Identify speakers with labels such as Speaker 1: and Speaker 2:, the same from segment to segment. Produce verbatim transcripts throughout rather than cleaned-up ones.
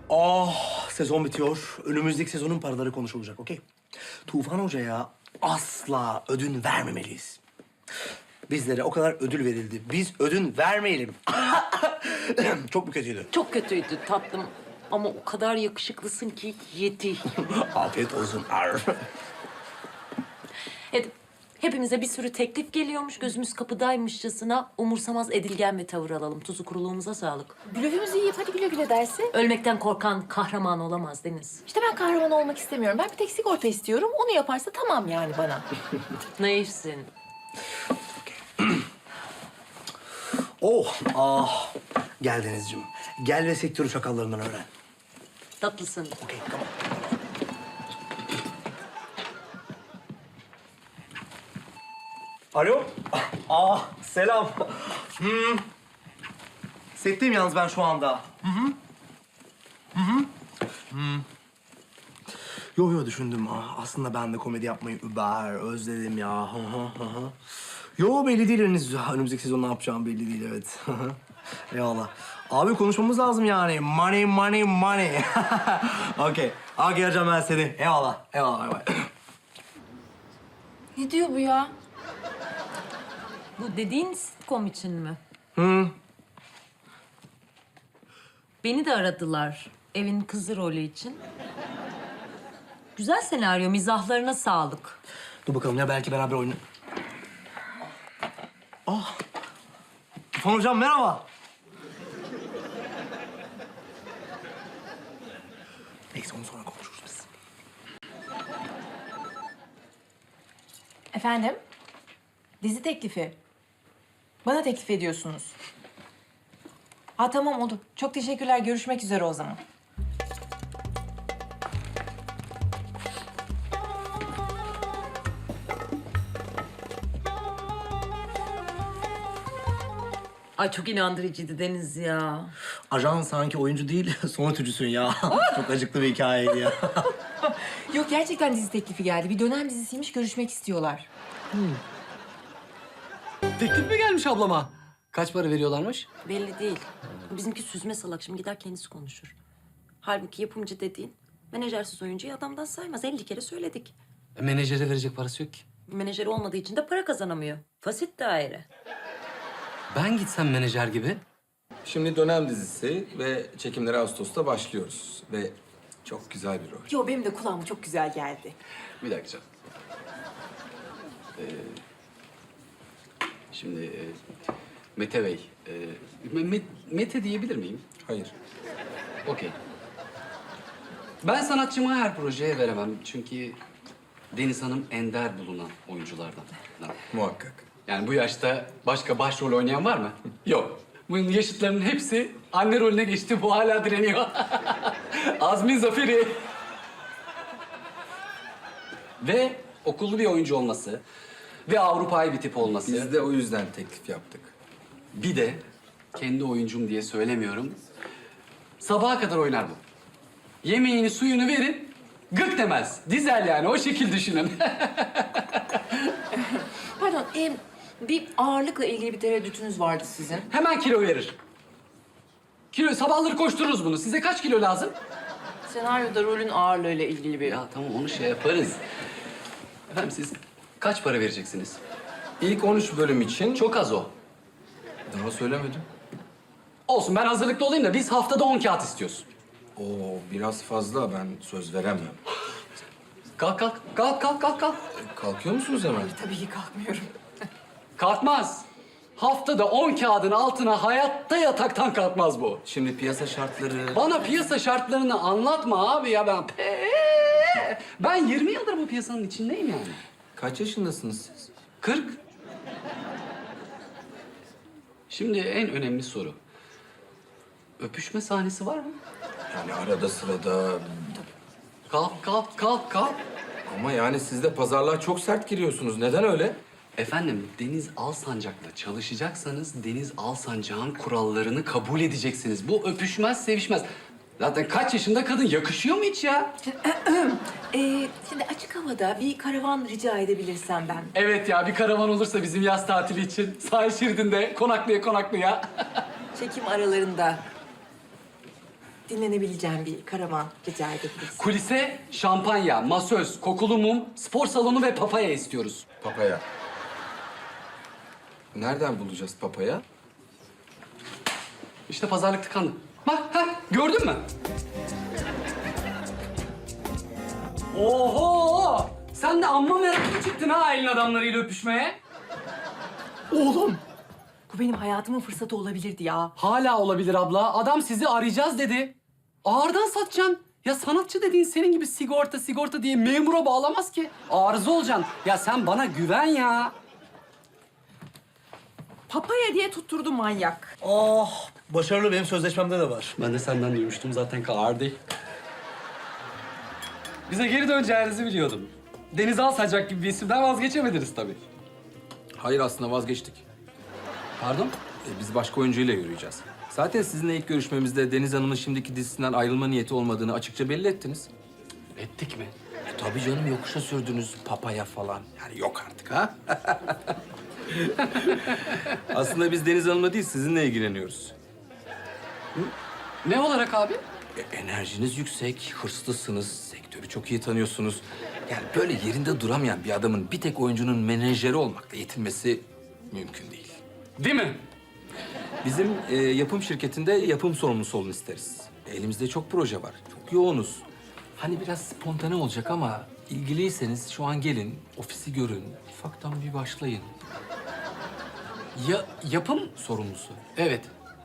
Speaker 1: Oh, sezon bitiyor. Önümüzdeki sezonun paraları konuşulacak, okey? Tufan Hoca'ya asla ödün vermemeliyiz. Bizlere o kadar ödül verildi. Biz ödün vermeyelim. Çok mu kötüydü?
Speaker 2: Çok kötüydü tatlım. Ama o kadar yakışıklısın ki yeti.
Speaker 1: Afiyet olsun. Ar.
Speaker 2: Evet, hepimize bir sürü teklif geliyormuş. Gözümüz kapıdaymışçasına umursamaz edilgen bir tavır alalım. Tuzu kuruluğumuza sağlık.
Speaker 3: Blöfümüzü yiyip hadi güle güle dersi.
Speaker 2: Ölmekten korkan kahraman olamaz Deniz.
Speaker 3: İşte ben kahraman olmak istemiyorum. Ben bir tek sigorta istiyorum. Onu yaparsa tamam yani bana.
Speaker 2: Neysin?
Speaker 1: Oh, ah. Gel Denizciğim. Gel ve sektörü çakallarından öğren.
Speaker 2: Tatlısın.
Speaker 1: Okey, tamam. Alo. Ah, selam. Hmm. Setteyim yalnız ben şu anda. Hı hı. Hı hı. Hmm. Yo yo düşündüm. Ah, aslında ben de komedi yapmayı über özledim ya. Hı hı hı hı. Yo belli değil henüz. Önümüzdeki sezon ne yapacağım belli değil, evet. Hı hı. Eyvallah. Abi konuşmamız lazım yani. Money, money, money. Okey. Okey arayacağım ben seni. Eyvallah. Eyvallah. Eyvallah.
Speaker 3: Ne diyor bu ya?
Speaker 2: Bu dediğin sitcom için mi?
Speaker 1: Hı.
Speaker 2: Beni de aradılar evin kızı rolü için. Güzel senaryo, mizahlarına sağlık.
Speaker 1: Dur bakalım ya belki beraber oyna... Ah. Tufan hocam merhaba. Neyse onu sonra konuşuruz biz.
Speaker 3: Efendim? Dizi teklifi. Bana teklif ediyorsunuz. Ha tamam oldu. Çok teşekkürler. Görüşmek üzere o zaman.
Speaker 2: Ay çok inandırıcıydı Deniz ya.
Speaker 1: Ajan sanki oyuncu değil, son ötücüsün ya. Çok acıklı bir hikayeydi ya.
Speaker 3: Yok gerçekten dizi teklifi geldi. Bir dönem dizisiymiş. Görüşmek istiyorlar.
Speaker 4: Teklif mi gelmiş ablama? Kaç para veriyorlarmış?
Speaker 2: Belli değil. Bizimki süzme salak. Şimdi gider kendisi konuşur. Halbuki yapımcı dediğin menajersiz oyuncuyu adamdan saymaz. elli kere söyledik.
Speaker 4: E, menajere verecek parası yok ki.
Speaker 2: Menajeri olmadığı için de para kazanamıyor. Fasit daire.
Speaker 4: Ben gitsem menajer gibi.
Speaker 5: Şimdi dönem dizisi ve çekimlere Ağustos'ta başlıyoruz. Ve çok güzel bir rol.
Speaker 3: Yo benim de kulağıma çok güzel geldi.
Speaker 4: Bir dakika canım. Ee, şimdi e, Mete Bey, e, Me- Mete diyebilir miyim?
Speaker 5: Hayır.
Speaker 4: Okey. Ben sanatçımı her projeye veremem. Çünkü Deniz Hanım ender bulunan oyunculardan.
Speaker 5: Muhakkak.
Speaker 4: Yani bu yaşta başka başrol oynayan var mı? Yok. Bunun yaşıtlarının hepsi anne rolüne geçti. Bu hala direniyor. Azmin zaferi. Ve okullu bir oyuncu olması ve Avrupa'yı bir tip olması.
Speaker 5: Biz de o yüzden teklif yaptık.
Speaker 4: Bir de kendi oyuncum diye söylemiyorum. Sabaha kadar oynar bu. Yemeğini, suyunu verin, gık demez. Dizel yani, o şekil düşünün.
Speaker 3: Pardon, e, bir ağırlıkla ilgili bir tereddütünüz vardı sizin.
Speaker 4: Hemen kilo verir. Kilo, sabahları koştururuz bunu. Size kaç kilo lazım?
Speaker 3: Senaryoda rolün ağırlığıyla ilgili bir...
Speaker 4: Ya tamam, onu şey yaparız. Efendim siz kaç para vereceksiniz?
Speaker 5: İlk on üç bölüm için...
Speaker 4: Çok az o.
Speaker 5: Daha söylemedim.
Speaker 4: Olsun, ben hazırlıklı olayım da biz haftada on kağıt istiyoruz.
Speaker 5: Oo, biraz fazla. Ben söz veremem.
Speaker 4: Kalk kalk, kalk kalk kalk kalk.
Speaker 5: E, Kalkıyor musunuz hemen?
Speaker 3: Tabii ki kalkmıyorum.
Speaker 4: Kalkmaz. Haftada on kağıdın altına hayatta yataktan kalkmaz bu.
Speaker 5: Şimdi piyasa şartları...
Speaker 4: Bana piyasa şartlarını anlatma abi ya, ben... Ben yirmi yıldır bu piyasanın içindeyim yani.
Speaker 5: Kaç yaşındasınız siz?
Speaker 4: kırk. Şimdi en önemli soru. Öpüşme sahnesi var mı?
Speaker 5: Yani arada sırada...
Speaker 4: Kalk kalk kalk kalk.
Speaker 5: Ama yani siz de pazarlığa çok sert giriyorsunuz. Neden öyle?
Speaker 4: Efendim, Deniz Alsancak'la çalışacaksanız Deniz Alsancak'ın kurallarını kabul edeceksiniz. Bu öpüşmez, sevişmez. Zaten kaç yaşında kadın, yakışıyor mu hiç ya?
Speaker 3: Ee, şimdi açık havada bir karavan rica edebilirsem ben.
Speaker 4: Evet ya, bir karavan olursa bizim yaz tatili için sahil şeridinde konaklaya konaklaya.
Speaker 3: Çekim aralarında. dinlenebileceğim bir karavan rica edebiliriz.
Speaker 4: Kulise şampanya, masöz, kokulu mum, spor salonu ve papaya istiyoruz.
Speaker 5: Papaya. Nereden bulacağız papaya?
Speaker 4: İşte pazarlık tıkandı. Bak, ha, gördün mü? Oho! Sen de amma meraklı çıktın ha elin adamlarıyla öpüşmeye.
Speaker 3: Oğlum! Bu benim hayatımın fırsatı olabilirdi ya.
Speaker 4: Hala olabilir abla. Adam sizi arayacağız dedi. Ağırdan satacaksın. Ya sanatçı dediğin senin gibi sigorta sigorta diye memura bağlamaz ki. Arıza olacaksın. Ya sen bana güven ya.
Speaker 3: Papaya diye tutturdu manyak.
Speaker 1: Ah, başarılı benim sözleşmemde de var.
Speaker 4: Ben de senden duymuştum zaten Kardi. Bize geri döneceğinizi biliyordum. Deniz Alsacak gibi bir isimden vazgeçemediniz tabii.
Speaker 5: Hayır, aslında vazgeçtik.
Speaker 4: Pardon?
Speaker 5: E, biz başka oyuncuyla yürüyeceğiz. Zaten sizinle ilk görüşmemizde Deniz Hanım'ın şimdiki dizisinden ayrılma niyeti olmadığını açıkça belli ettiniz.
Speaker 4: Ettik mi?
Speaker 5: E, tabii canım, yokuşa sürdünüz papaya falan. Yani yok artık ha. Aslında biz Deniz Hanım'la değil, sizinle ilgileniyoruz.
Speaker 4: Ne olarak abi?
Speaker 5: E, enerjiniz yüksek, hırslısınız, sektörü çok iyi tanıyorsunuz. Yani böyle yerinde duramayan bir adamın bir tek oyuncunun menajeri olmakla yetinmesi mümkün değil.
Speaker 4: Değil mi?
Speaker 5: Bizim e, yapım şirketinde yapım sorumlusu olun isteriz. E, elimizde çok proje var, çok yoğunuz. Hani biraz spontane olacak ama ilgiliyseniz şu an gelin, ofisi görün, ufaktan bir başlayın.
Speaker 4: Ya, yapım sorumlusu. Evet.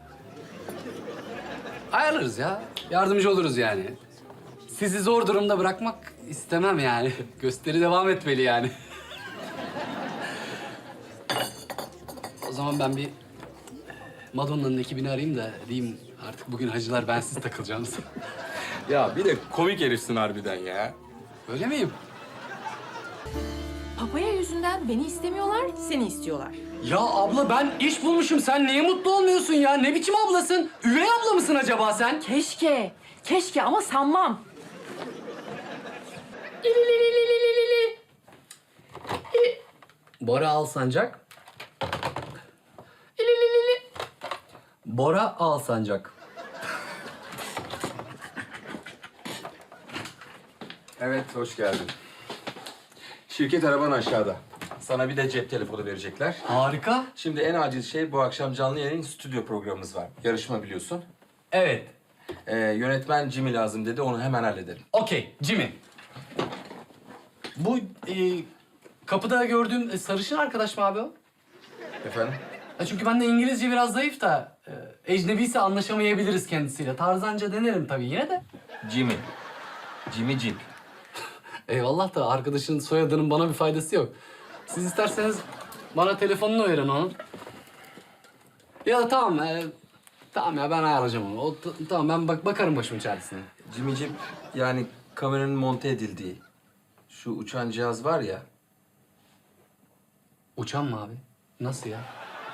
Speaker 4: Ayarlarız ya. Yardımcı oluruz yani. Sizi zor durumda bırakmak istemem yani. Gösteri devam etmeli yani. O zaman ben bir Madonna'nın ekibini arayayım da diyeyim artık bugün hacılar bensiz takılacağınız.
Speaker 5: Ya bir de komik herifsin harbiden ya.
Speaker 4: Öyle miyim?
Speaker 3: Papaya yüzünden beni istemiyorlar, seni istiyorlar.
Speaker 4: Ya abla ben iş bulmuşum. Sen niye mutlu olmuyorsun ya? Ne biçim ablasın? Üvey abla mısın acaba sen?
Speaker 3: Keşke, keşke ama sanmam.
Speaker 4: Bora Alsancak. Bora Alsancak.
Speaker 5: Evet, hoş geldin. Şirket araban aşağıda. Sana bir de cep telefonu verecekler.
Speaker 4: Harika.
Speaker 5: Şimdi en acil şey, bu akşam canlı yayın stüdyo programımız var. Yarışma biliyorsun.
Speaker 4: Evet.
Speaker 5: Ee, yönetmen Jimmy lazım dedi, onu hemen halledelim.
Speaker 4: Okey, Jimmy. Bu e, kapıda gördüğüm e, sarışın arkadaş mı abi o?
Speaker 5: Efendim?
Speaker 4: Ha, çünkü ben de İngilizce biraz zayıf da e, ecnebiyse anlaşamayabiliriz kendisiyle. Tarzanca denerim tabii yine de.
Speaker 5: Jimmy. Jimmy Jeep.
Speaker 4: Eyvallah da arkadaşın soyadının bana bir faydası yok. Siz isterseniz bana telefonunu verin onun. Ya da tamam, e, tamam ya ben ayarlayacağım onu. O, t- tamam ben bak bakarım başımın çaresine.
Speaker 5: Jimmy Jeep, yani kameranın monte edildiği şu uçan cihaz var ya.
Speaker 4: Uçan mı abi? Nasıl ya?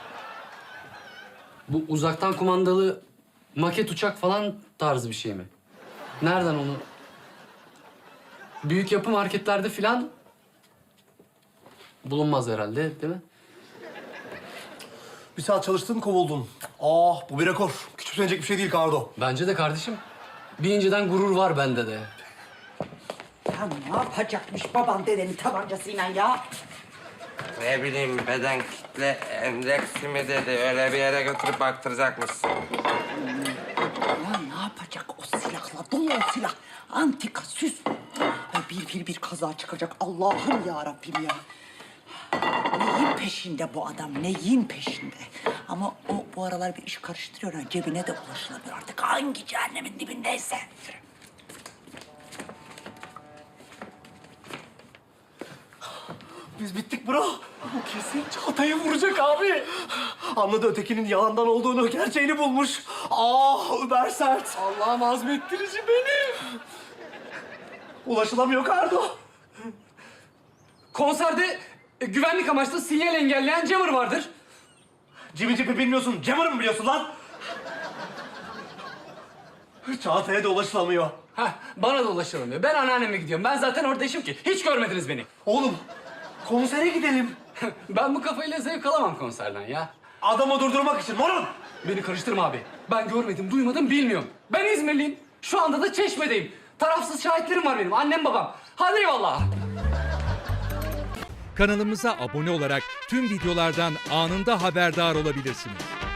Speaker 4: Bu uzaktan kumandalı maket uçak falan tarzı bir şey mi? Nereden onu? Büyük yapı marketlerde falan bulunmaz herhalde, değil mi?
Speaker 1: Bir saat çalıştın, kovuldun. Ah, bu bir rekor. Küçümsenecek bir şey değil Kardo.
Speaker 4: Bence de kardeşim. Bir inceden gurur var bende de.
Speaker 6: Ya ne yapacakmış baban dedenin tabancasıyla ya?
Speaker 7: Ne bileyim beden kitle endeksi mi dedi öyle bir yere götürüp baktıracakmışsın.
Speaker 6: Ya ne yapacak o silahla? Dolu o silah. Antika, süs. Ay bir bir bir kaza çıkacak. Allah'ım ya Rabbim ya. Neyin peşinde bu adam? Neyin peşinde? Ama o bu aralar bir iş karıştırıyor. Ha. Cebine de ulaşılamıyor artık. Hangi cehennemin dibindeyse.
Speaker 1: Biz bittik bro. Bu kesin Çağatay'ı vuracak abi. Anladı ötekinin yalandan olduğunu, gerçeğini bulmuş. Ah, Ömer Sert.
Speaker 4: Allah'ım azmettirici benim.
Speaker 1: Ulaşılamıyor Kardo.
Speaker 4: Konserde e, güvenlik amaçlı sinyal engelleyen jammer vardır.
Speaker 1: Jimmy Jeep'i bilmiyorsun, Jammer'ı mı biliyorsun lan? Çağatay'a da ulaşılamıyor.
Speaker 4: Heh, bana da ulaşılamıyor. Ben anneanneme gidiyorum. Ben zaten orada işim ki. Hiç görmediniz beni.
Speaker 1: Oğlum, konsere gidelim.
Speaker 4: Ben bu kafayla zevk alamam konserden ya.
Speaker 1: Adamı durdurmak için morun.
Speaker 4: Beni karıştırma abi. Ben görmedim, duymadım, bilmiyorum. Ben İzmirliyim. Şu anda da Çeşme'deyim. Tarafsız şahitlerim var benim. Annem babam. Hadi eyvallah.
Speaker 8: Kanalımıza abone olarak tüm videolardan anında haberdar olabilirsiniz.